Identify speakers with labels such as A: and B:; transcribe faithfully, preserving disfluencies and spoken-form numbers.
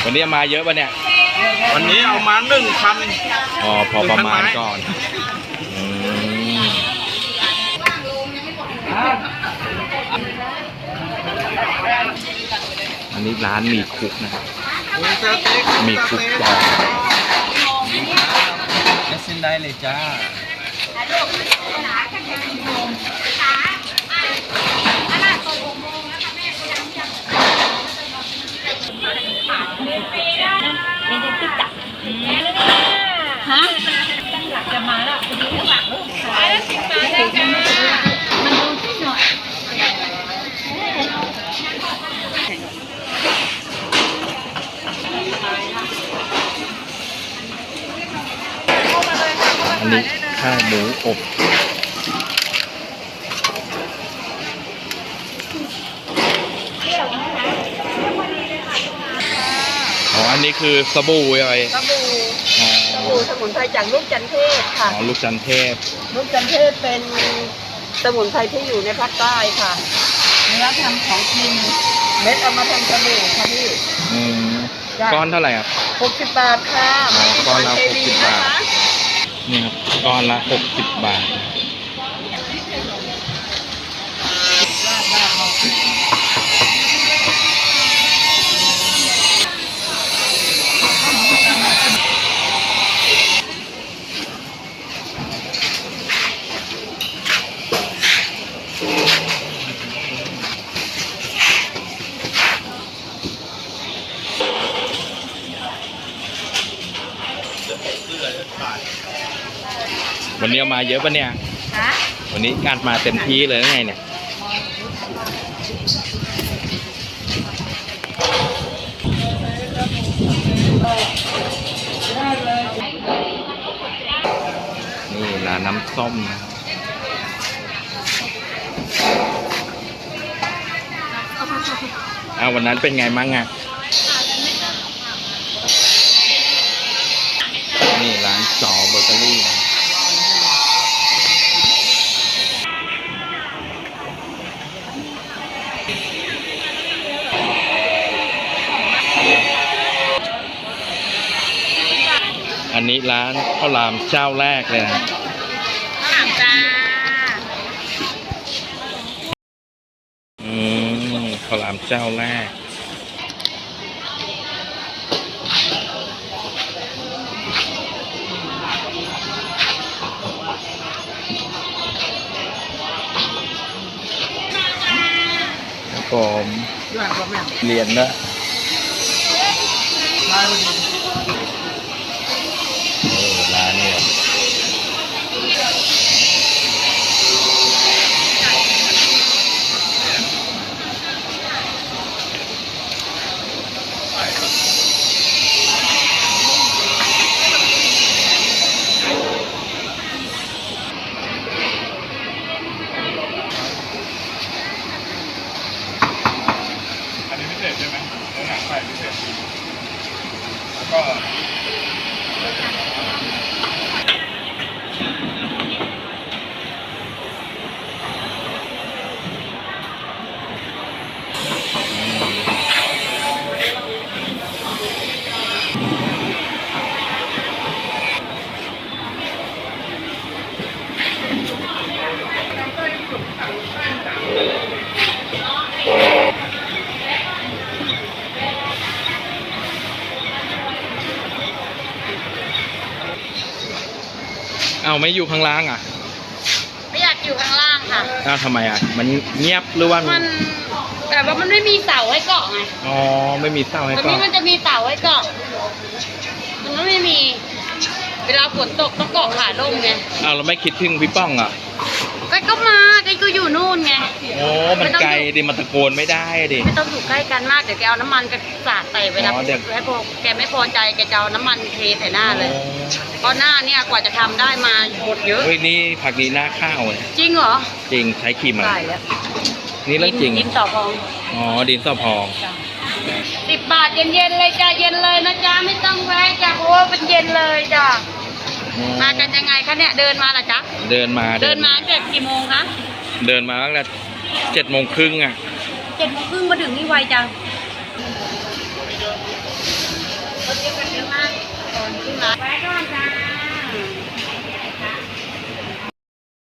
A: วันนี้มาเยอะป่ะเนี่ย
B: วันนี้เอามาหนึ่งพัน
A: อ๋อพอประมาณก่อนอันนี้ร้านมีคุกนะครับมีคุกต่อ
B: จะเส้นได้เลยจ้า
C: ฮะตั้งหลักจะมาแล้วคุณดูหลักลูกขายแล้วสิบบาทได้จ้ามันดูที่หน่อย
A: อันนี้ข้าวหมูอบอ๋ออันนี้คือสบู่อะไร
C: สบู่สบู่สมุนไพรจากลูกจันเทศค่ะ
A: อ๋อลูกจันเทศ
C: ลูกจันเทศเป็นสมุนไพรที่อยู่ในภาคใต้ค่ะเนื้อทำของกินเม็ดเอามาทำสบู่ค่ะพี่
A: อืมก้อนเท่าไหร่ครับ
C: หกสิบบาทค่ะ
A: ก้อนละหกสิบบาทนี่ครับก้อนละหกสิบบาทวันนี้มาเยอะปะเนี่ยวันนี้การมาเต็มที่เลยไงเนี่ยนี่ร้านน้ำส้มนะเอาวันนั้นเป็นไงมั่งอ่ะนี่ร้านจอเบเกอรี่นะอันนี้ร้านข้าวหลามเจ้าแรกเลยนะ
C: ข้าวหลามจ้า
A: อืมข้าวหลามเจ้าแรกผมเรียนนะร้านนี้
B: ใช่ไหมเนื้อหนังไก่พิเศษแล้วก็
A: เอาไม่อยู่ข้างล่างอ่ะ
C: ไม่อยากอยู่ข้างล่างค่ะ
A: อ้าวทำไมอ่ะมันเงียบหรือว่า
C: มันแต่ว่ามันไม่มีเสาให้เกาะไง
A: อ๋อไม่มีเสาให้เกาะ
C: ตอนนี้มันจะมีเสาให้เกาะมันไม่มีเวลาฝนตกต้องเกาะขาลงไง
A: อ้าวเราไม่คิดถึงพี่ป้องอ่ะ
C: ก็ก็มาแกก็อยู่นู่นไง
A: โอ้มันไกลดิมันตะโกนไม่ได้ดิ
C: ไม่ต้องอยู่ใกล้กันมากเดี๋ยวแกเอาน้ำมันกระสาดใส่เวลาให้พอแกไม่พอใจแกจะเอาน้ำมันเทใส่หน้าเลยเพราะหน้าเนี่ยกว่าจะทำได้มาหมดเยอะ
A: เฮ้ยนี่ผักดีหน้าข้าวเลย
C: จริงเหรอ
A: จริงใช้ครีมอะไรนี่เรื่องจริง
C: ดินต่อพอง
A: อ๋อดินต่อพอง
C: สิบบาทเย็นๆเลยจ้าเย็นเลยนะจ้าไม่ต้องแวะจ้าเพราะว่าเป็นเย็นเลยจ้ามากันยังไงคะเนี่ยเดินมาเหรอจ๊ะ
A: เดินมา
C: เดินมาเจ็ดกี่โมงคะ
A: เดินมาตั้งแต่เจ็ดโมงครึ่งอ่ะ
C: เจ็ดโมงครึ่งมาถึงนี่ไวจังขึ้นมา